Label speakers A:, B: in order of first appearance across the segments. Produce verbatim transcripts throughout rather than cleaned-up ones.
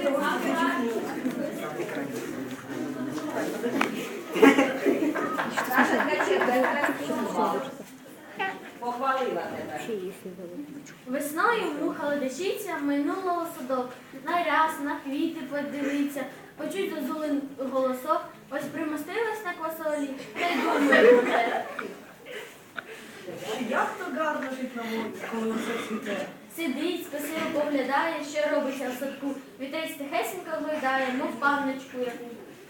A: Похвалила тебе.
B: Весною муха ледачиця минула у садок. На ряс, на квіти подивиться, почуть зозулин голосок. Ось примостилась на квасолі, та й думає про те.
C: Як то гарно жить на вулиці, коли усе цвіте.
B: Сидить, спасиво поглядає, що робиться в садку. Вітець тихесенько глядає, мов панночку яку.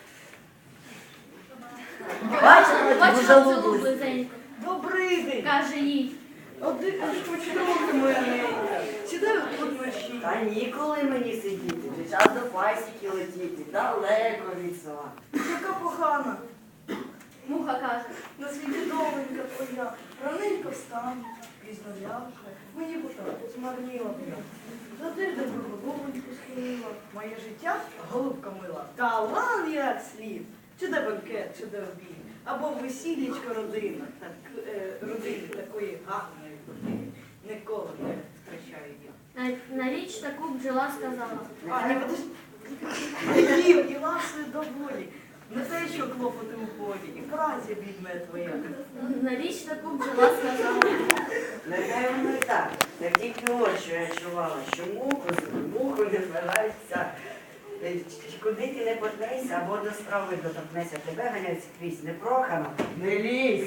A: Бачила,
B: Бачила
A: дуже
B: цілу
A: лублюсь.
B: близеньку,
C: Добрий день!
B: каже їй.
C: Один починати мене. Сідаю тут вночі.
A: Та ніколи мені сидіти, вже час до пасіки летіти, далеко від села.
C: Яка погана.
B: Муха каже.
C: На світі доленька твоя. Раненько встану, пізно ляже. Мені б так змарніла б я. За тиждень би головоньку схилила. Моє життя голубка мила. Талан як слід. Чи де бенкет, чи де обід. Або весіллячко родина. Так, е, родини такої гарної родини. Ніколи не втрачаю я.
B: На, на річ таку бджола сказала.
C: А, ні, подожди. Не їв, і ласою до волі. Не те, що клопоти у полі, і праця бідна твоя.
B: На річ таку бджола сказала.
A: Нехай воно і так. Як тільки от що я чувала, що муху, муху не збирається. Куди ти не поткнешся, або до страви доторкнешся, тебе ганяють скрізь. Непрохано, не лізь.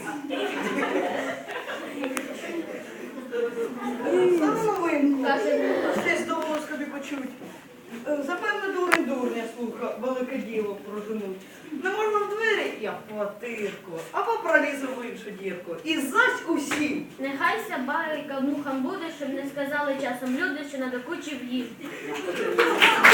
C: Саме новинку.
B: Каже муха.
C: Десь довго собі почуть. Е, Запевне дурень дурня слуха, велике діло проженуть. Не можна в двері, я в квартирку, або пролізу в іншу дірку. І зась усім.
B: Нехай ся байка мухам буде, щоб не сказали часом люди, що надокучив їм.